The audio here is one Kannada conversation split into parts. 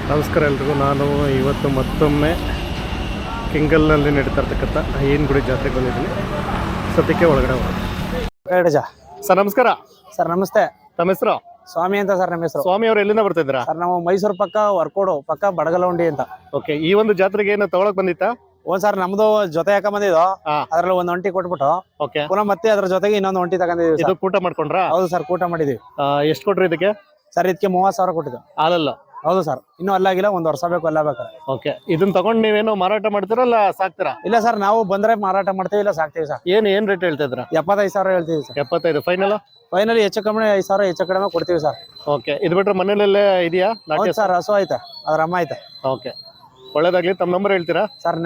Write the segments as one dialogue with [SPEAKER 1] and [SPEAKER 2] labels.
[SPEAKER 1] ನಮಸ್ಕಾರ ಎಲ್ರಿಗೂ. ನಾನು ಇವತ್ತು ಮತ್ತೊಮ್ಮೆ ಕೆಂಗಲ್ನಲ್ಲಿ ನಡೀತಾ ಇರ್ತಕ್ಕಂಥ ಅಯ್ಯನಗುಡಿ ಜಾತ್ರೆಗೆ ಬಂದಿದ್ದೀನಿ. ಸದ್ಯಕ್ಕೆ ಒಳಗಡೆ ಹೋಗೋದು. ಸರ್ ನಮಸ್ಕಾರ.
[SPEAKER 2] ಸರ್ ನಮಸ್ತೆ.
[SPEAKER 1] ತಮ್ಮ ಹೆಸರು?
[SPEAKER 2] ಸ್ವಾಮಿ ಅಂತ ಸರ್ ನಮ್ಮ ಹೆಸರು.
[SPEAKER 1] ಸ್ವಾಮಿ ಅವರು ಎಲ್ಲಿಂದ ಬರ್ತಿದ್ದೀರಾ?
[SPEAKER 2] ಸರ್ ನಾವು ಮೈಸೂರು ಪಕ್ಕ ವರ್ಕೋಡು ಪಕ್ಕ ಬಡಗಲವಂಡಿ ಅಂತ.
[SPEAKER 1] ಓಕೆ, ಈ ಒಂದು ಜಾತ್ರೆಗೆ ಏನು ತಗೊಳಕ್ ಬಂದಿತ್ತಾ?
[SPEAKER 2] ಸರ್ ನಮ್ದು ಜೊತೆ ಯಾಕ ಬಂದಿದ್ದು, ಅದ್ರಲ್ಲಿ ಒಂದು ಒಂಟಿ ಕೊಟ್ಬಿಟ್ಟು
[SPEAKER 1] ಓಕೆ,
[SPEAKER 2] ಪುನಃ ಮತ್ತೆ ಅದ್ರ ಜೊತೆಗೆ ಇನ್ನೊಂದು ಒಂಟಿ ತಗೊಂಡಿದ್ದೀವಿ.
[SPEAKER 1] ಇದು ಕೂಟ ಮಾಡ್ಕೊಂಡ್ರಾ?
[SPEAKER 2] ಹೌದು ಸರ್, ಕೂಟ ಮಾಡಿದೀವಿ.
[SPEAKER 1] ಎಷ್ಟು ಕೊಟ್ರಿ ಇದಕ್ಕೆ?
[SPEAKER 2] ಸರ್ ಇದಕ್ಕೆ 30,000 ಕೊಟ್ಟಿದ್ದು.
[SPEAKER 1] ಹಾಲಲ್ಲ?
[SPEAKER 2] ಹೌದು ಸರ್, ಇನ್ನೂ ಅಲ್ಲಾಗಿಲ್ಲ, 1 ವರ್ಷ ಬೇಕು ಅಲ್ಲ ಬೇಕಾರೆ.
[SPEAKER 1] ಓಕೆ, ಇದನ್ನ ತಗೊಂಡ್ ನೀವೇನು ಮಾರಾಟ ಮಾಡ್ತೀರಲ್ಲ ಸಾಕ್ತೀರಾ?
[SPEAKER 2] ಇಲ್ಲ ಸರ್, ನಾವು ಬಂದ್ರೆ ಮಾರಾಟ ಮಾಡ್ತೀವಿ, ಇಲ್ಲ ಸಾಕ್ತೀವಿ ಸರ್.
[SPEAKER 1] ಏನ್ ರೇಟ್ ಹೇಳ್ತಾ ಇದ್ರ?
[SPEAKER 2] 75,000 ಹೇಳ್ತೀವಿ ಸರ್.
[SPEAKER 1] 75 ಫೈನಲ್?
[SPEAKER 2] ಫೈನಲಿ ಹೆಚ್ಚು ಕಮ್ಮಿ 5,000 ಹೆಚ್ಚು ಕಡಿಮೆ ಕೊಡ್ತೀವಿ ಸರ್.
[SPEAKER 1] ಓಕೆ, ಇದು ಬಿಟ್ರೆ ಮನೇಲೆಲ್ಲೇ ಇದೆಯಾ?
[SPEAKER 2] ಸರ್ ಹಸು ಐತೆ, ಅದ್ರ ಅಮ್ಮ ಐತೆ.
[SPEAKER 1] ಓಕೆ, ಒಳ್ಳೇದಾಗ್ಲಿ. ತಮ್ಮ ನಂಬರ್ ಹೇಳ್ತೀರಾ?
[SPEAKER 2] ಸರ್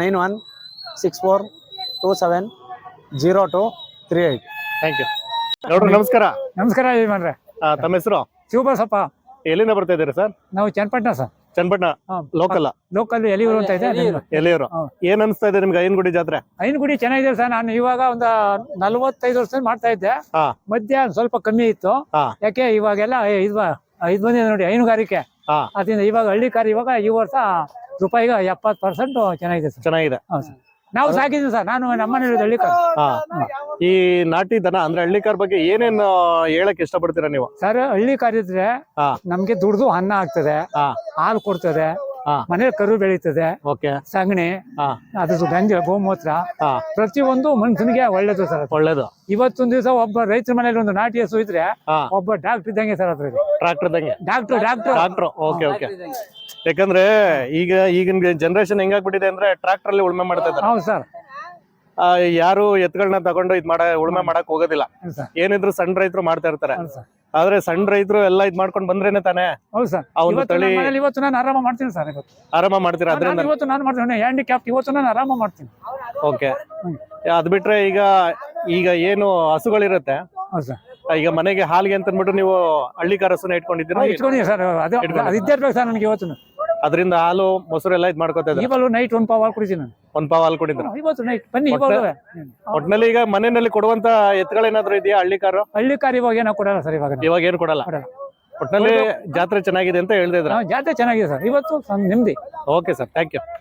[SPEAKER 2] 9164270238.
[SPEAKER 1] Thank you. ನೋಡ್ರಿ ನಮಸ್ಕಾರ.
[SPEAKER 3] ನಮಸ್ಕಾರ ಯಜಮಾನ್ರೆ.
[SPEAKER 1] ತಮ್ಮ ಹೆಸರು?
[SPEAKER 3] ಶಿವಬಸಪ್ಪ.
[SPEAKER 1] ಎಲ್ಲಿಂದ ಬರ್ತಾ ಇದ್ದೀರಾ ಸರ್?
[SPEAKER 3] ನಾವು Channapatna sir.
[SPEAKER 1] Channapatna local?
[SPEAKER 3] Local Eliyur ಅಂತ ಇದೆ.
[SPEAKER 1] ಎಲ್ಲಿಯವರು? ಏನ್ ಅನ್ಸ್ತಾ ಇದೆ ನಿಮ್ಗೆ ಅಯ್ಯನಗುಡಿ ಜಾತ್ರೆ?
[SPEAKER 3] ಅಯ್ಯನಗುಡಿ ಚೆನ್ನಾಗಿದೆ ಸರ್. ನಾನು ಇವಾಗ ಒಂದು 45 ವರ್ಷದಿಂದ ಮಾಡ್ತಾ ಇದ್ದೆ. ಮಧ್ಯ ಸ್ವಲ್ಪ ಕಮ್ಮಿ ಇತ್ತು. ಯಾಕೆ ಇವಾಗೆಲ್ಲ ಇದು ಬಂದಿದೆ ನೋಡಿ, ಹೈನುಗಾರಿಕೆ. ಅದರಿಂದ ಇವಾಗ ಹಳ್ಳಿ ಕಾರ್ ಇವಾಗ ಈ ವರ್ಷ ರೂಪಾಯಿಗೆ 70% ಚೆನ್ನಾಗಿದೆ ಸರ್.
[SPEAKER 1] ಚೆನ್ನಾಗಿದೆ.
[SPEAKER 3] ನಾವು ಸಾಕಿದ್ವಿ ಸರ್. ನಾನು ನಮ್ಮನೆ ಹಳ್ಳಿ ಕಾರ್.
[SPEAKER 1] ಈ ನಾಟಿ ದನ ಅಂದ್ರೆ ಹಳ್ಳಿ ಕಾರ್ ಬಗ್ಗೆ ಏನೇನು ಹೇಳಕ್ ಇಷ್ಟಪಡ್ತೀರಾ ನೀವು?
[SPEAKER 3] ಸರ್ ಹಳ್ಳಿ ಕಾರ್ ಇದ್ರೆ ನಮ್ಗೆ ದುಡ್ದು ಅನ್ನ ಆಗ್ತದೆ, ಹಾಲು ಕೊಡ್ತದೆ, ಮನೇಲಿ ಕರು ಬೆಳೀತದೆ, ಸಗಣಿ, ಅದ್ರ ಗಂಜ, ಗೋಮೂತ್ರ, ಪ್ರತಿಯೊಂದು ಮನುಷ್ಯನಿಗೆ ಒಳ್ಳೇದು ಸರ್. ಒಳ್ಳೇದು. ಇವತ್ತೊಂದ್ ದಿವಸ ಒಬ್ಬ ರೈತರ ಮನೇಲಿ ಒಂದು ನಾಟಿ ಹಸು ಇದ್ರೆ ಒಬ್ಬ ಡಾಕ್ಟರ್ ಇದ್ದಂಗೆ ಸರ್. ಅದ್ರಲ್ಲಿ
[SPEAKER 1] ಟ್ರಾಕ್ಟರ್ ಇದ್ದಂಗೆ.
[SPEAKER 3] ಡಾಕ್ಟರ್.
[SPEAKER 1] Okay okay. ಯಾಕಂದ್ರೆ ಈಗಿನ ಜನರೇಷನ್ ಹೆಂಗಾಗ್ಬಿಟ್ಟಿದೆ ಅಂದ್ರೆ ಟ್ರಾಕ್ಟರ್ ಅಲ್ಲಿ ಉಳುಮೆ ಮಾಡ್ತಾ ಇದ್ದಾರೆ.
[SPEAKER 3] ಹೌದು ಸರ್.
[SPEAKER 1] ಯಾರು ಎತ್ತುಗಳನ್ನ ತಗೊಂಡು ಉಳುಮೆ ಮಾಡಕ್ ಹೋಗೋದಿಲ್ಲ. ಏನಿದ್ರು ಸಣ್ಣ ರೈತರು ಮಾಡ್ತಾ ಇರ್ತಾರೆ. ಆದ್ರೆ ಸಣ್ಣ ರೈತರು ಎಲ್ಲ ಇದ್ ಮಾಡ್ಕೊಂಡ್ ಬಂದ್ರೇನೆ ತಾನೇ.
[SPEAKER 3] ಹೌದು ಸರ್. ಇವತ್ತು ನಾನು ಆರಾಮ ಮಾಡ್ತೀನಿ ಸರ್.
[SPEAKER 1] ಆರಾಮ ಮಾಡ್ತೀರಾ? ಅದ್ರಿಂದ
[SPEAKER 3] ಇವತ್ತು ನಾನು ಮಾಡ್ತೀನಿ ಹ್ಯಾಂಡಿಕ್ಯಾಪ್. ಇವತ್ತು ನಾನು ಆರಾಮ ಮಾಡ್ತೀನಿ.
[SPEAKER 1] ಓಕೆ, ಅದ್ ಬಿಟ್ರೆ ಈಗ ಏನು ಹಸುಗಳಿರುತ್ತೆ, ಈಗ ಮನೆಗೆ ಹಾಲಿಗೆ ಅಂತ ಅಂದ್ಬಿಟ್ಟು ನೀವು ಹಳ್ಳಿ ಕಾರ್ ಹಸುನ ಇಟ್ಕೊಂಡಿದ್ದೀರಾ?
[SPEAKER 3] ಇಟ್ಕೊಂಡಿದ್ದೀನಿ ಸರ್. ಅದು ಇದ್ದಿರ್ಬೇಕು ಸರ್ ನನಗೆ. ಇವತ್ತು
[SPEAKER 1] ಅದರಿಂದ ಹಾಲು ಮೊಸರು ಎಲ್ಲ ಇದ್ ಮಾಡ್ಕೋತಾ ಇದ್ದಾರೆ.
[SPEAKER 3] ಇವಾಗ ನೈಟ್ 1 ಪಾವ್ ಹಾಲು ಕುಡಿತೀನಿ ನಾನು.
[SPEAKER 1] 1 ಪಾವ್ ಹಾಲು ಕುಡಿದ್ರು
[SPEAKER 3] ಇವತ್ತು ನೈಟ್. ಬನ್ನಿ.
[SPEAKER 1] ಒಟ್ನಲ್ಲಿ ಈಗ ಮನೆಯಲ್ಲಿ ಕೊಡುವಂತ ಎತ್ತುಗಳೇನಾದ್ರು ಇದೆಯಾ ಹಳ್ಳಿ ಕಾರು?
[SPEAKER 3] ಹಳ್ಳಿ ಕಾರ್ ಇವಾಗ ಏನೋ ಕೊಡಲ್ಲ ಸರ್.
[SPEAKER 1] ಇವಾಗ ಏನು ಕೊಡಲ್ಲ. ಒಟ್ನಲ್ಲಿ ಜಾತ್ರೆ ಚೆನ್ನಾಗಿದೆ ಅಂತ ಹೇಳ್ತಿದ್ರ?
[SPEAKER 3] ಜಾತ್ರೆ ಚೆನ್ನಾಗಿದೆ ಸರ್. ಇವತ್ತು ನಿಮ್ದಿ.
[SPEAKER 1] Okay sir, thank you.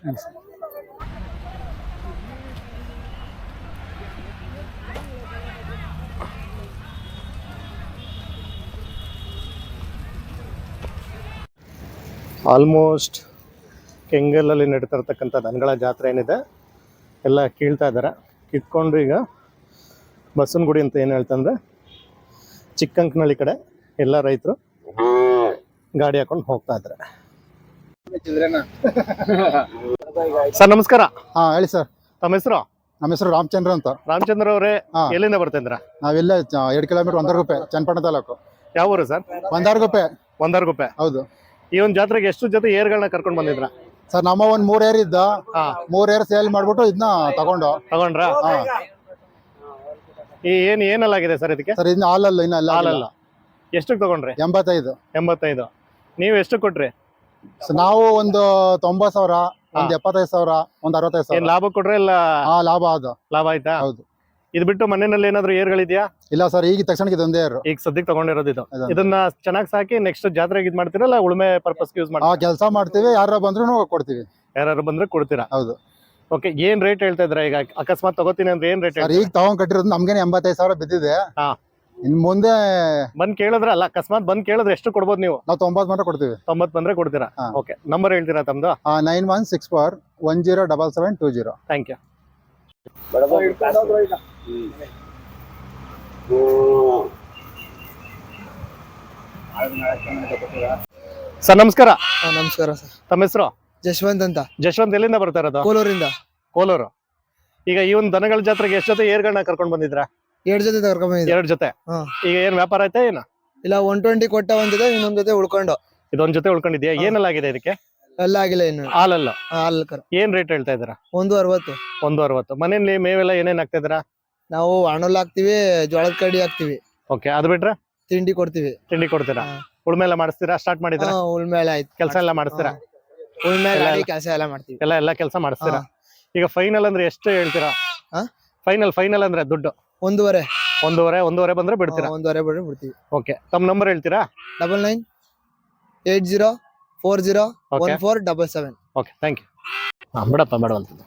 [SPEAKER 1] Almost ಕೆಂಗಲಲ್ಲಿ ನಡೀತಾ ಇರ್ತಕ್ಕಂಥ ದನಗಳ ಜಾತ್ರೆ ಏನಿದೆ ಎಲ್ಲ ಕೀಳ್ತಾ ಇದ್ದಾರೆ. ಕಿತ್ಕೊಂಡು ಈಗ ಬಸವನಗುಡಿ ಅಂತ ಏನು ಹೇಳ್ತಂದ್ರೆ ಚಿಕ್ಕಂಕನಹಳ್ಳಿ ಕಡೆ ಎಲ್ಲ ರೈತರು ಗಾಡಿ ಹಾಕೊಂಡು ಹೋಗ್ತಾ ಇದ್ದಾರೆ. ಸರ್ ನಮಸ್ಕಾರ.
[SPEAKER 2] ಹೇಳಿ ಸರ್.
[SPEAKER 1] ತಮ್ಮ ಹೆಸರು?
[SPEAKER 2] ನಮ್ಮ ಹೆಸರು ರಾಮಚಂದ್ರ ಅಂತ.
[SPEAKER 1] ರಾಮಚಂದ್ರ ಅವರೇ, ಎಲ್ಲಿಂದ ಬರ್ತಿದ್ರ?
[SPEAKER 2] ನಾವೆಲ್ಲ 2 ಕಿಲೋಮೀಟರ್ ಒಂದರಗುಪ್ಪೆ, ಚನ್ನಪಟ್ಟಣ ತಾಲೂಕು.
[SPEAKER 1] ಯಾವ ಊರು ಸರ್?
[SPEAKER 2] ಒಂದರಗುಪ್ಪೆ. ಹೌದು.
[SPEAKER 1] ಈ ಒಂದು ಜಾತ್ರೆಗೆ ಎಷ್ಟು ಜೊತೆ ಏರ್ಗಳನ್ನ ಕರ್ಕೊಂಡು ಬಂದಿದ್ರ?
[SPEAKER 2] ಸರ್ ನಮ್ಮ ಒಂದು 3 ಏರ್ ಇದ್ದ. 3 ಏರ್ ಸೇಲ್ ಮಾಡ್ಬಿಟ್ಟು ಇದನ್ನ ತಗೊಂಡ್ರಾ? ಏನಲ್ಲಾಗಿದೆ ಸರ್ ಇದಕ್ಕೆ? ಸರ್ ಇನ್ನು ಹಾಲಲ್ಲ.
[SPEAKER 1] ಎಷ್ಟಕ್ಕೆ ತಗೊಂಡ್ರಿ?
[SPEAKER 2] 85.
[SPEAKER 1] ನೀವು ಎಷ್ಟು ಕೊಟ್ರಿ?
[SPEAKER 2] ನಾವು ಒಂದು 90,000, ಒಂದು 75,000, ಒಂದು 65,000.
[SPEAKER 1] ಲಾಭ ಕೊಟ್ರೆ ಇಲ್ಲ?
[SPEAKER 2] ಲಾಭ
[SPEAKER 1] ಆಯ್ತಾ?
[SPEAKER 2] ಹೌದು.
[SPEAKER 1] ಇದು ಬಿಟ್ಟು ಮನೆಯಲ್ಲಿ ಏನಾದ್ರು ಏರ್ಗಳಿದ್ಯಾ?
[SPEAKER 2] ಇಲ್ಲ ಸರ್, ಈಗ ತಕ್ಷಣಕ್ಕೆ ಇದೊಂದೇ ಏರ್.
[SPEAKER 1] ಈಗ ಸದ್ಯಕ್ಕೆ ತಗೊಂಡಿರೋದು ಇದು. ಇದನ್ನ ಚೆನ್ನಾಗಿ ಸಾಕಿ ನೆಕ್ಸ್ಟ್ ಜಾತ್ರೆಗೆ ಇದ್ ಮಾಡ್ತೀರಲ್ಲ, ಉಳುಮೆ ಪರ್ಪಸ್ ಯೂಸ್ ಮಾಡ್ತೀರಾ?
[SPEAKER 2] ಕೆಲಸ ಮಾಡ್ತೀವಿ. ಯಾರು ಬಂದ್ರು ಕೊಡ್ತೀವಿ.
[SPEAKER 1] ಯಾರು ಬಂದ್ರೆ ಕೊಡ್ತೀರಾ?
[SPEAKER 2] ಹೌದು.
[SPEAKER 1] ಓಕೆ, ಏನ್ ರೇಟ್ ಹೇಳ್ತಾ ಇದ್ರ? ಈಗ ಅಕಸ್ಮಾತ್ ತಗೋತೀನಿ ಅಂದ್ರೆ ಏನ್ ರೇಟ್?
[SPEAKER 2] ಈಗ ತಗೊಂಡ್ ಕಟ್ಟಿರೋದು ನಮ್ಗೇನೆ 85,000 ಬಿದ್ದಿದೆ. ಇನ್ ಮುಂದೆ
[SPEAKER 1] ಬಂದ್ ಕೇಳಿದ್ರಲ್ಲ, ಅಕಸ್ಮಾತ್ ಬಂದ್ ಕೇಳಿದ್ರೆ ಎಷ್ಟು ಕೊಡ್ಬೋದು ನೀವು?
[SPEAKER 2] ನಾವು 90 ಮಾತ್ರ ಕೊಡ್ತೀವಿ.
[SPEAKER 1] 90 ಬಂದ್ರೆ ಕೊಡ್ತೀರಾ? ಓಕೆ, ನಂಬರ್ ಹೇಳ್ತೀರಾ ತಮ್ದು?
[SPEAKER 2] 9164107720.
[SPEAKER 1] Thank you. ಸರ್ ನಮಸ್ಕಾರ.
[SPEAKER 2] ನಮಸ್ಕಾರ ಸರ್.
[SPEAKER 1] ತಮ್ಮ ಹೆಸರು?
[SPEAKER 2] ಜಶ್ವಂತ್ ಅಂತ.
[SPEAKER 1] ಜಶ್ವಂತ್ ಎಲ್ಲಿಂದ ಬರ್ತಾ ಇರೋದು? ಕೋಲೂರು. ಈಗ ಈ ಒಂದು ದನಗಳ ಜಾತ್ರೆಗೆ ಎಷ್ಟು ಜೊತೆ ಏರ್ಗಳನ್ನ ಕರ್ಕೊಂಡ್ ಬಂದಿದ್ರ?
[SPEAKER 2] 2 ಜೊತೆ ಕರ್ಕೊಂಡ್ ಬಂದಿದ್ದೆ.
[SPEAKER 1] 2 ಜೊತೆ. ಈಗ ಏನ್ ವ್ಯಾಪಾರ ಆಯ್ತಾ ಏನ? ಇಲ್ಲ,
[SPEAKER 2] 120 ಕೊಟ್ಟ ಒಂದ್ ಜೊತೆ, ಇನ್ನೊಂದ್ ಜೊತೆ ಉಳ್ಕೊಂಡು.
[SPEAKER 1] ಇದೊಂದ್ ಜೊತೆ ಉಳ್ಕೊಂಡಿದ್ಯಾ? ಏನೆಲ್ಲ ಆಗಿದೆ ಇದಕ್ಕೆ?
[SPEAKER 2] ಎಲ್ಲ ಆಗಿಲ್ಲ ಇನ್ನು.
[SPEAKER 1] ಹಾಲಲ್ಲ?
[SPEAKER 2] ಏನ್
[SPEAKER 1] ರೇಟ್ ಹೇಳ್ತಾ ಇದ್ದೀರಾ?
[SPEAKER 2] 160.
[SPEAKER 1] 160. ಮನೇಲಿ ಮೇವೆಲ್ಲ ಏನೇನ್ ಹಾಕ್ತಾ ಇದ್ದೀರಾ?
[SPEAKER 2] ನಾವು ಹಣ್ಣುಲ್ ಹಾಕ್ತಿವಿ, ಜೋಳದ ಕಡ್ಡಿ ಹಾಕ್ತಿವಿ.
[SPEAKER 1] ಓಕೆ, ಅದು ಬಿಟ್ರೆ
[SPEAKER 2] ತಿಂಡಿ ಕೊಡ್ತೀವಿ.
[SPEAKER 1] ತಿಂಡಿ ಕೊಡ್ತೀರಾ? ಉಳ್ಮೆ ಎಲ್ಲ ಮಾಡಿಸ್ತೀರಾ? ಸ್ಟಾರ್ಟ್ ಮಾಡಿದ್ರಾ?
[SPEAKER 2] ಉಳ್ಮೆ ಎಲ್ಲ ಆಯ್ತು.
[SPEAKER 1] ಕೆಲಸ ಎಲ್ಲ ಮಾಡಿಸ್ತೀರಾ?
[SPEAKER 2] ಉಳ್ಮೆ ಕೆಲಸ ಎಲ್ಲ ಮಾಡ್ತೀವಿ.
[SPEAKER 1] ಎಲ್ಲ ಕೆಲಸ ಮಾಡಿಸ್ತೀರಾ? ಈಗ ಫೈನಲ್ ಅಂದ್ರೆ ಎಷ್ಟು ಹೇಳ್ತೀರಾ? ಫೈನಲ್ ಅಂದ್ರೆ ದುಡ್ಡು? 1.5 ಬಂದ್ರೆ ಬಿಡ್ತೀರಾ?
[SPEAKER 2] 1.5 ಬಿಡ್ತೀವಿ.
[SPEAKER 1] ಓಕೆ, ತಮ್ಮ ನಂಬರ್ ಹೇಳ್ತೀರಾ?
[SPEAKER 2] 9980 401477.
[SPEAKER 1] Okay thank you. ಹಾಂ ಬಿಡಪ್ಪ ಮಾಡುವಂಥದ್ದು.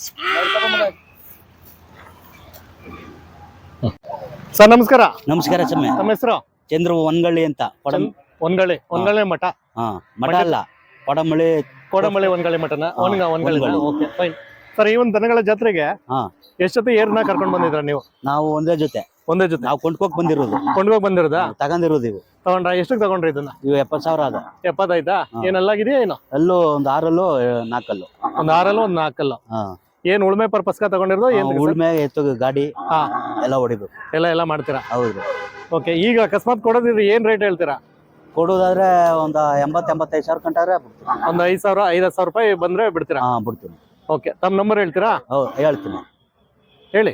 [SPEAKER 1] ಸರ್ ನಮಸ್ಕಾರ.
[SPEAKER 4] ನಮಸ್ಕಾರ ಚಮ್ಮೆ.
[SPEAKER 1] ನಮ್ಮ ಹೆಸರು?
[SPEAKER 4] ಚಂದ್ರ ಒಂದ್ಗಳ್ಳಿ ಅಂತ.
[SPEAKER 1] ಒಂದಗಳಿ ಮಠ.
[SPEAKER 4] ಮಠ ಅಲ್ಲ,
[SPEAKER 1] ಕೋಡಮಳ್ಳಿ ಒಂದಗಳಿ ಮಠನ. ಒಂದಗಳಿ. Okay fine. ಸರ್ ಈ ಒಂದು ದನಗಳ ಜಾತ್ರೆಗೆ ಎಷ್ಟೊತ್ತು ಏರ್ನ ಕರ್ಕೊಂಡು ಬಂದಿದ್ರ ನೀವು?
[SPEAKER 4] ನಾವು ಒಂದೇ ಜೊತೆ ನಾವು ಕೊಂಡ್ಕೋಕ್
[SPEAKER 1] ಬಂದಿರೋದಾ?
[SPEAKER 4] ತಗೊಂಡಿರೋದು ಇವು.
[SPEAKER 1] ತಗೊಂಡ್ರ? ಎಷ್ಟಕ್ಕೆ ತಗೊಂಡ್ರಿ ಇದನ್ನ?
[SPEAKER 4] ಇವು 70,000 ಅದ.
[SPEAKER 1] 70 ಆಯ್ತಾ? ಏನೆಲ್ಲಾಗಿದೆಯಾ ಏನು?
[SPEAKER 4] ಅಲ್ಲೂ ಒಂದು 6 4
[SPEAKER 1] ಒಂದು 6 ಒಂದು 4. ಏನ್ ಉಳ್ಮೆ ಪರ್ಪಸ್ಗ ತಗೊಂಡಿರೋದು? ಏನ್
[SPEAKER 4] ಉಳ್ಮೆ ಎತ್ತು ಗಾಡಿ ಎಲ್ಲ ಹೊಡಿಬೇಕು.
[SPEAKER 1] ಎಲ್ಲ ಮಾಡ್ತೀರಾ?
[SPEAKER 4] ಹೌದು.
[SPEAKER 1] ಓಕೆ. ಈಗ ಅಕಸ್ಮಾತ್ ಕೊಡೋದಿದ್ರೆ ಏನ್ ರೇಟ್ ಹೇಳ್ತೀರಾ?
[SPEAKER 4] ಕೊಡೋದಾದ್ರೆ ಒಂದು 80-85,000 ಕಂಟಾರೆ
[SPEAKER 1] ಒಂದು 5,000-5,000 ರೂಪಾಯಿ ಬಂದ್ರೆ ಬಿಡ್ತೀರಾ?
[SPEAKER 4] ಬಿಡ್ತೀನಿ.
[SPEAKER 1] ಓಕೆ. ತಮ್ಮ ನಂಬರ್ ಹೇಳ್ತೀರಾ?
[SPEAKER 4] ಹೇಳ್ತೀನಿ.
[SPEAKER 1] ಹೇಳಿ.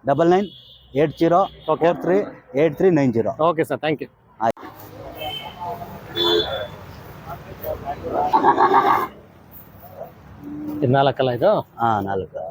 [SPEAKER 4] 9980438390.
[SPEAKER 1] Okay sir, thank you. ಇದು 4 ಅಲ್ಲ ಇದು?
[SPEAKER 4] 4.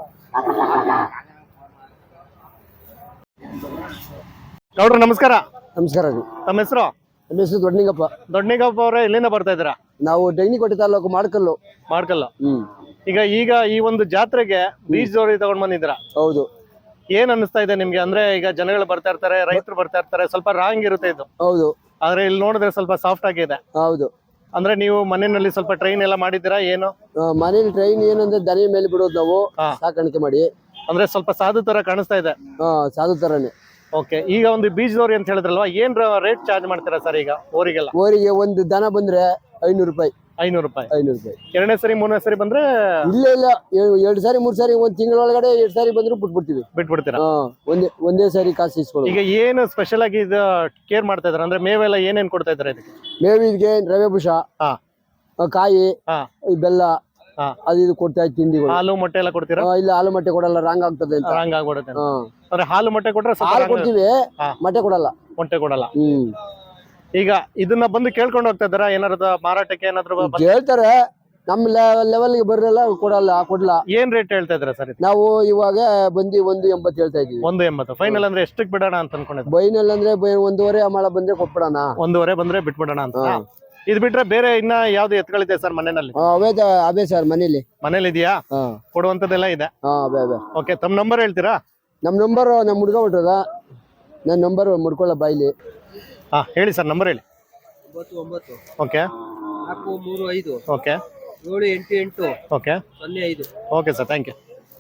[SPEAKER 1] ಗೌಡ್ರು ನಮಸ್ಕಾರ.
[SPEAKER 2] ನಮಸ್ಕಾರ ರೀ.
[SPEAKER 1] ತಮ್ಮ ಹೆಸರು?
[SPEAKER 2] ನಮ್ಮ ಹೆಸರು ದೊಡ್ಡನಿಂಗಪ್ಪ.
[SPEAKER 1] ದೊಡ್ಡನಿಂಗಪ್ಪ ಅವರೇ, ಎಲ್ಲಿಂದ ಬರ್ತಾ ಇದ್ದೀರಾ?
[SPEAKER 2] ನಾವು ಡೈನಿಕೋಟೆ ತಾಲೂಕು ಮಾಡ್ಕಲ್ಲು.
[SPEAKER 1] ಈಗ ಈ ಒಂದು ಜಾತ್ರೆಗೆ ಬೀಜ ಜೋಡಿ ತಗೊಂಡ್ ಬಂದಿದ್ದೀರಾ?
[SPEAKER 2] ಹೌದು.
[SPEAKER 1] ಏನ್ ಅನಿಸ್ತಾ ಇದೆ ನಿಮ್ಗೆ? ಅಂದ್ರೆ ಈಗ ಜನಗಳು ಬರ್ತಾ ಇರ್ತಾರೆ, ರೈತರು ಬರ್ತಾ ಇರ್ತಾರೆ, ಸ್ವಲ್ಪ ರಾಂಗ್ ಇರುತ್ತೆ ಇದು.
[SPEAKER 2] ಹೌದು.
[SPEAKER 1] ಆದ್ರೆ ಇಲ್ಲಿ ನೋಡಿದ್ರೆ ಸ್ವಲ್ಪ ಸಾಫ್ಟ್ ಆಗಿದೆ.
[SPEAKER 2] ಹೌದು.
[SPEAKER 1] ಅಂದ್ರೆ ನೀವು ಮನೆಯಲ್ಲಿ ಸ್ವಲ್ಪ ಟ್ರೈನ್ ಎಲ್ಲ ಮಾಡಿದ್ದೀರಾ ಏನು?
[SPEAKER 2] ಮನೇಲಿ ಟ್ರೈನ್ ಏನಂದ್ರೆ ದನಿ ಮೇಲೆ ಬಿಡೋದು ನಾವು ಸಾಕಾಣಿಕೆ ಮಾಡಿ.
[SPEAKER 1] ಅಂದ್ರೆ ಸ್ವಲ್ಪ ಸಾಧು ತರ ಕಾಣಿಸ್ತಾ ಇದೆ.
[SPEAKER 2] ಸಾಧು ತರನೇ.
[SPEAKER 1] ಓಕೆ. ಈಗ ಒಂದು ಬೀಜದವ್ರಿ ಅಂತ ಹೇಳಿದ್ರಲ್ವಾ, ಏನ್ ರೇಟ್ ಚಾರ್ಜ್ ಮಾಡ್ತೀರಾ ಸರ್ ಈಗ ಓರಿಗೆಲ್ಲ?
[SPEAKER 2] ಓರಿಗೆ ಒಂದು ದನ ಬಂದ್ರೆ 500 ರೂಪಾಯಿ.
[SPEAKER 1] 500 ರೂಪಾಯಿ.
[SPEAKER 2] 500 ರೂಪಾಯಿ.
[SPEAKER 1] ಎರಡನೇ ಸರಿ ಮೂರನೇ ಸರಿ ಬಂದ್ರೆ?
[SPEAKER 2] ಇಲ್ಲ 2 ಸಾರಿ 3 ಸಾರಿ, ಒಂದ್ ತಿಂಗಳೊಳಗಡೆ 2 ಸಾರಿ ಬಂದ್ರು
[SPEAKER 1] ಬಿಟ್ಬಿಡ್ತೀರಾ?
[SPEAKER 2] ಒಂದೇ ಸಾರಿ ಕಾಸು ಇಸ್ಕೊಳ್ಳೋದು.
[SPEAKER 1] ಈಗ ಏನು ಸ್ಪೆಷಲ್ ಆಗಿ ಇದು ಕೇರ್ ಮಾಡ್ತಾ ಇದಾರೆ ಅಂದ್ರೆ ಮೇವೆಲ್ಲ ಏನೇನ್ ಕೊಡ್ತಾ ಇದಾರೆ ಇದಕ್ಕೆ?
[SPEAKER 2] ಮೇವಿಗೆ ರವೆ ಬುಷ, ಕಾಯಿ, ಬೆಲ್ಲ, ಅದು ಇದು ಕೊಡ್ತಾ ಇತ್ತು. ತಿಂಡಿಗಳು,
[SPEAKER 1] ಹಾಲು ಮೊಟ್ಟೆ ಎಲ್ಲ ಕೊಡ್ತೀರಾ?
[SPEAKER 2] ಇಲ್ಲ, ಹಾಲು ಮೊಟ್ಟೆ ಕೊಡಲ್ಲ, ರಾಂಗ್ ಆಗ್ತದೆ ಅಂತ.
[SPEAKER 1] ರಾಂಗ್ ಆಗ್ಬಿಡುತ್ತೆ. ಅಂದ್ರೆ ಹಾಲು ಮೊಟ್ಟೆ ಕೊಟ್ರೆ
[SPEAKER 2] ಹಾಲು ಕೊಡ್ತೀವಿ, ಮೊಟ್ಟೆ ಕೊಡಲ್ಲ.
[SPEAKER 1] ಮೊಟ್ಟೆ ಕೊಡಲ್ಲ. ಈಗ ಇದನ್ನ ಬಂದು ಕೇಳ್ಕೊಂಡು ಹೋಗ್ತಾ ಇದಾರ ಏನಾದ್ರು ಮಾರಾಟಕ್ಕೆ? ಏನಾದ್ರು
[SPEAKER 2] ಹೇಳ್ತಾರೆ, ನಮ್ಮ ಲೆವೆಲ್ಗೆ ಬರಲ್ಲ, ಕೊಡಲ್ಲ.
[SPEAKER 1] ಏನ್ ರೇಟ್ ಹೇಳ್ತಾ ಇದ್ರ ಸರ್?
[SPEAKER 2] ನಾವು ಇವಾಗ ಬಂದು 180 ಹೇಳ್ತಾ ಇದೀವಿ.
[SPEAKER 1] 180 ಫೈನಲ್. ಅಂದ್ರೆ ಎಷ್ಟಕ್ಕೆ ಬಿಡೋಣ ಅಂತ ಅನ್ಕೊಂಡಿದ್ದೆ?
[SPEAKER 2] ಬೈನಲ್ ಅಂದ್ರೆ 1.5 ಅಮಳ ಬಂದ್ರೆ ಕೊಟ್ಬಿಡೋಣ.
[SPEAKER 1] 1.5 ಬಂದ್ರೆ ಬಿಟ್ಬಿಡೋಣ ಅಂತ. ಇದು ಬಿಟ್ರೆ ಬೇರೆ ಇನ್ನ ಯಾವ್ದು ಎತ್ಗಳಿದೆ ಸರ್ ಮನೆಯಲ್ಲಿ?
[SPEAKER 2] ಅವೇ ಸರ್ ಮನೇಲಿ
[SPEAKER 1] ಇದೆಯಾ? ಕೊಡುವಂತದ್ದೆಲ್ಲ ಇದೆ. ಓಕೆ. ತಮ್ಮ ನಂಬರ್ ಹೇಳ್ತೀರಾ?
[SPEAKER 2] ನಮ್ ನಂಬರ್ ನಮ್ ಹುಡುಗ ಹೊಟ್ಟದ, ನನ್ನ ನಂಬರ್ ಮುಡ್ಕೊಳ್ಳ ಬಾಯ್ಲಿ.
[SPEAKER 1] ಹೇಳಿ ಸರ್, ನಂಬರ್ ಹೇಳಿ.
[SPEAKER 2] 99
[SPEAKER 1] okay
[SPEAKER 2] 435
[SPEAKER 1] okay
[SPEAKER 2] 788
[SPEAKER 1] okay
[SPEAKER 2] 05.
[SPEAKER 1] Okay sir, thank you.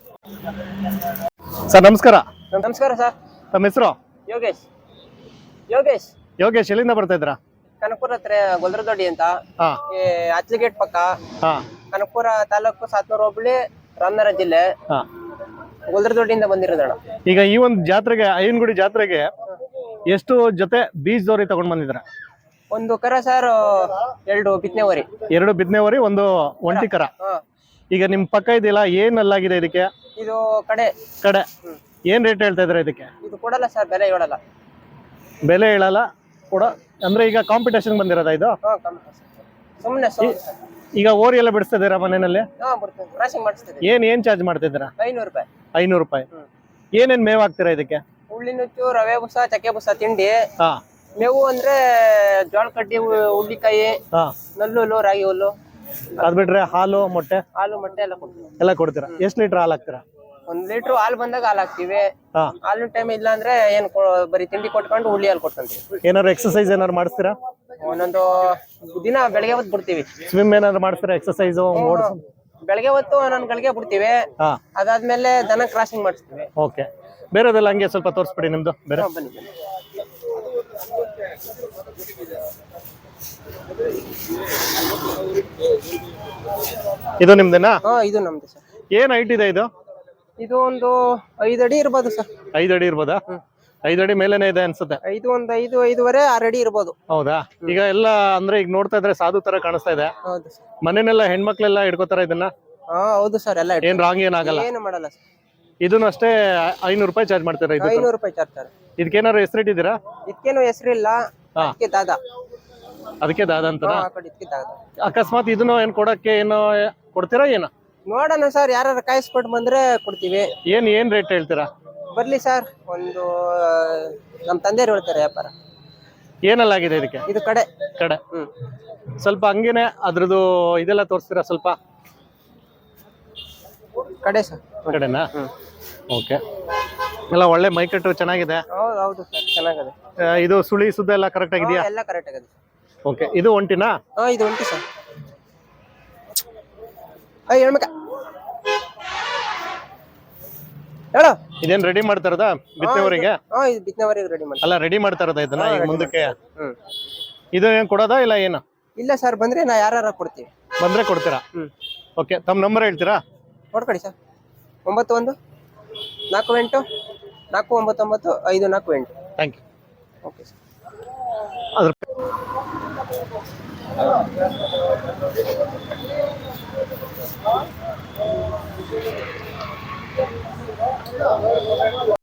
[SPEAKER 1] Sir ನಮಸ್ಕಾರ.
[SPEAKER 5] ನಮಸ್ಕಾರ ಸರ್.
[SPEAKER 1] ತಮ್ಮ ಹೆಸರು?
[SPEAKER 5] ಯೋಗೇಶ್.
[SPEAKER 1] ಯೋಗೇಶ್, ಎಲ್ಲಿಂದ ಬರ್ತಾ ಇದ್ರಾ?
[SPEAKER 5] ಕನಕಪುರ ಹತ್ರ ಗೊಲ್ರದೊಡ್ಡಿ ಅಂತ, ಅಚ್ಲಿಗೇಟ್ ಪಕ್ಕ, ಕನಕಪುರ ತಾಲೂಕು, ಸಾತ್ನೂರು ಹೋಬಳಿ, ರಾಮನಗರ ಜಿಲ್ಲೆ, ಗೊಲ್ರದೊಡ್ಡಿಯಿಂದ ಬಂದಿರೋದಣ್ಣ. ಈಗ
[SPEAKER 1] ಈ ಒಂದು ಜಾತ್ರೆಗೆ, ಅಯ್ಯನಗುಡಿ ಜಾತ್ರೆಗೆ ಎಷ್ಟು ಜೊತೆ ಬೀಜದವರಿ ತಗೊಂಡ್ ಬಂದಿದ್ರ?
[SPEAKER 5] ಒಂದು ಕರ ಸರ್, 2 ಬಿತ್ತನೆವರಿ.
[SPEAKER 1] 2 ಬಿತ್ತನೆವರಿ, 1 ಒಂಟಿ ಕರ. ಈಗ ನಿಮ್ ಪಕ್ಕ ಇದೆಯಲ್ಲ, ಏನ್ ಅಲ್ಲಾಗಿದೆ ಇದಕ್ಕೆ?
[SPEAKER 5] ಇದು ಕಡೆ.
[SPEAKER 1] ಏನ್ ರೇಟ್ ಹೇಳ್ತಾ ಇದ್ರ ಇದಕ್ಕೆ?
[SPEAKER 5] ಇದು ಕೊಡಲ್ಲ ಸರ್, ಬೆಲೆ ಹೇಳಲ್ಲ.
[SPEAKER 1] ಬೆಲೆ ಹೇಳಲ್ಲ ಕೊಡ ಅಂದ್ರೆ ಈಗ ಕಾಂಪಿಟೇಷನ್ ಬಂದಿರೋದ ಇದು?
[SPEAKER 5] ಸುಮ್ಮನೆ.
[SPEAKER 1] ಈಗ ಓರಿ ಎಲ್ಲ ಬಿಡಿಸ್ತಾ ಇದೀರಾ ಮನೆಯಲ್ಲಿ? ಏನ್ ಚಾರ್ಜ್ ಮಾಡ್ತಿದ್ದೀರಾ?
[SPEAKER 5] 500 ರೂಪಾಯಿ.
[SPEAKER 1] 500 ರೂಪಾಯಿ. ಏನೇನ್ ಮೇವ್ ಹಾಕ್ತೀರಾ ಇದಕ್ಕೆ?
[SPEAKER 5] ಹುಳ್ಳಿನುಚ್ಚು, ರವೆ ಬುಸ, ಚಕ್ಕೆ ಬುಸ, ತಿಂಡಿ. ಮೇವು ಅಂದ್ರೆ ಜೋಳ ಕಡ್ಡಿ, ಹುಳ್ಳಿಕಾಯಿ, ನಲ್ಲುಲ್ಲು, ರಾಗಿ ಹುಲ್ಲು.
[SPEAKER 1] ಅದ್ ಬಿಟ್ರೆ ಹಾಲು ಮೊಟ್ಟೆ? ಎಲ್ಲ ಕೊಡ್ತೀರಾ? ಎಷ್ಟು ಲೀಟರ್ ಹಾಲು ಹಾಕ್ತೀರಾ?
[SPEAKER 5] 1 ಲೀಟರ್ ಹಾಲು ಬಂದಾಗ ಹಾಲು ಹಾಕ್ತಿವಿ. ಹಾಲಿನ ಟೈಮ್ ಇಲ್ಲ ಅಂದ್ರೆ ಬರೀ ತಿಂಡಿ ಕೊಟ್ಕೊಂಡು ಹುಳ್ಳಿ ಹಾಲು ಕೊಡ್ಕೊಂತೀವಿ.
[SPEAKER 1] ಏನಾದ್ರು ಎಕ್ಸರ್ಸೈಸ್ ಏನಾದ್ರು ಮಾಡಿಸ್ತೀರಾ?
[SPEAKER 5] ಒಂದೊಂದು ದಿನ ಬೆಳಗ್ಗೆ ಹೊತ್ತು ಬಿಡ್ತೀವಿ.
[SPEAKER 1] ಸ್ವಿಮ್ ಏನಾದ್ರು ಮಾಡಿಸ್ತೀರಾ? ಎಕ್ಸರ್ಸೈಸ್
[SPEAKER 5] ಬೆಳಗ್ಗೆ ಹೊತ್ತು ಒಂದೊಂದು ಗಳಿಗೆ ಬಿಡ್ತೀವಿ. ಅದಾದ್ಮೇಲೆ ದನ ಕ್ರಾಸಿಂಗ್ ಮಾಡಿಸ್ತೀವಿ.
[SPEAKER 1] ಓಕೆ. ಬೇರೆದೆಲ್ಲ ಹಂಗೆ ಸ್ವಲ್ಪ ತೋರಿಸ್ಬಿಡಿ ನಿಮ್ದು ಬೇರೆ.
[SPEAKER 5] ಬನ್ನಿ.
[SPEAKER 1] ಇದು ನಿಮ್ದೇನಾ?
[SPEAKER 5] ಇದು ನಮ್ದು ಸರ್.
[SPEAKER 1] ಏನ್ ಹೈಟ್ ಇದೆ ಇದು?
[SPEAKER 5] ಇದು ಒಂದು 5 ಅಡಿ ಇರ್ಬೋದು ಸರ್.
[SPEAKER 1] 5 ಅಡಿ ಇರ್ಬೋದಾ? 5 ಅಡಿ ಮೇಲೇನೆ ಇದೆ ಅನ್ಸುತ್ತೆ.
[SPEAKER 5] 5.5 6 ಅಡಿ ಇರ್ಬೋದು.
[SPEAKER 1] ಹೌದಾ? ಈಗ ಎಲ್ಲ ಅಂದ್ರೆ ಈಗ ನೋಡ್ತಾ ಇದ್ರೆ ಸಾಧು ತರ ಕಾಣಿಸ್ತಾ ಇದೆ.
[SPEAKER 5] ಹೌದು ಸರ್.
[SPEAKER 1] ಮನೆನೆಲ್ಲ ಹೆಣ್ಮಕ್ಳೆಲ್ಲ ಹಿಡ್ಕೋತಾರ ಇದನ್ನ?
[SPEAKER 5] ಹೌದು ಸರ್. ಎಲ್ಲ
[SPEAKER 1] ಏನ್ ರಾಂಗ್ ಏನಾಗಲ್ಲ?
[SPEAKER 5] ಏನು ಮಾಡಲ್ಲ ಸರ್.
[SPEAKER 1] ಇದನ್ನು ಅಷ್ಟೇ 500 ರೂಪಾಯಿ ಚಾರ್ಜ್ ಮಾಡ್ತೀರಾ?
[SPEAKER 5] 500 ರೂಪಾಯಿ ಚಾರ್ಜ್ ಸರ್.
[SPEAKER 1] ಇದಕ್ಕೇನಾದ್ರು ಹೆಸರಿಟ್ಟಿದ್ದೀರಾ?
[SPEAKER 5] ಇದಕ್ಕೇನು ಹೆಸರಿಲ್ಲ.
[SPEAKER 1] ಅದಕ್ಕೆ ದಾದ ಅಂತ. ಅಕಸ್ಮಾತ್ ಇದನ್ನು ಏನ್ ಕೊಡಕ್ಕೆ ಏನೋ ಕೊಡ್ತೀರಾ? ಏನು
[SPEAKER 5] ನೋಡೋಣ ಸರ್, ಯಾರು ಕಾಯಿಸ್ಕೊಟ್ಟು ಬಂದ್ರೆ ಕೊಡ್ತೀವಿ.
[SPEAKER 1] ಏನ್ ರೇಟ್ ಹೇಳ್ತೀರಾ?
[SPEAKER 5] ಬರ್ಲಿ ಸರ್, ಒಂದು ನಮ್ ತಂದೆಯವ್ರು ಹೇಳ್ತಾರೆ ವ್ಯಾಪಾರ.
[SPEAKER 1] ಏನೆಲ್ಲ ಆಗಿದೆ ಇದಕ್ಕೆ?
[SPEAKER 5] ಇದು ಕಡೆ
[SPEAKER 1] ಕಡೆ. ಸ್ವಲ್ಪ ಹಂಗೇನೆ ಅದ್ರದ್ದು ಇದೆಲ್ಲ ತೋರಿಸ್ತೀರಾ ಸ್ವಲ್ಪ?
[SPEAKER 5] ಕಡೆ ಸರ್.
[SPEAKER 1] ಕಡೆನಾ? ಓಕೆ. ಎಲ್ಲ ಒಳ್ಳೆ ಮೈಕಟ್ಟು ಚೆನ್ನಾಗಿದೆ.
[SPEAKER 5] ಹೌದು ಸರ್, ಚೆನ್ನಾಗಿದೆ.
[SPEAKER 1] ಇದು ಸುಳಿ ಸುದ್ದ ಎಲ್ಲ ಕರೆಕ್ಟ್ ಆಗಿದೆಯಾ?
[SPEAKER 5] ಎಲ್ಲ ಕರೆಕ್ಟ್ ಆಗಿದೆ.
[SPEAKER 1] ಓಕೆ. ಇದು ಒಂಟಿನಾ?
[SPEAKER 5] ಇದು ಉಂಟು ಸರ್. ಹೇಳ್ಬೇಕ ಹೇಳು.
[SPEAKER 1] ಇದೇನ್ ರೆಡಿ ಮಾಡ್ತಾ ಇರೋದಾ ಬಿತ್ತನೆವರೆಗೆ?
[SPEAKER 5] ಇದು ಬಿತ್ತನೆವರೆಗೆ ರೆಡಿ ಮಾಡಿ.
[SPEAKER 1] ಅಲ್ಲ, ರೆಡಿ ಮಾಡ್ತಾ ಇರೋದಾ ಇದನ್ನ ಈಗ ಮುಂದಕ್ಕೆ? ಇದು ಏನ್ ಕೊಡೋದಾ ಇಲ್ಲ ಏನು?
[SPEAKER 5] ಇಲ್ಲ ಸರ್, ಬಂದ್ರೆ ನಾ ಯಾರು ಕೊಡ್ತೀವಿ.
[SPEAKER 1] ಬಂದ್ರೆ ಕೊಡ್ತೀರಾ? ಓಕೆ. ತಮ್ಮ ನಂಬರ್ ಹೇಳ್ತೀರಾ?
[SPEAKER 5] ನೋಡ್ಕೊಡಿ sir. 9148 499 548.
[SPEAKER 1] Thank you.
[SPEAKER 5] Okay sir. ಅದ್ರ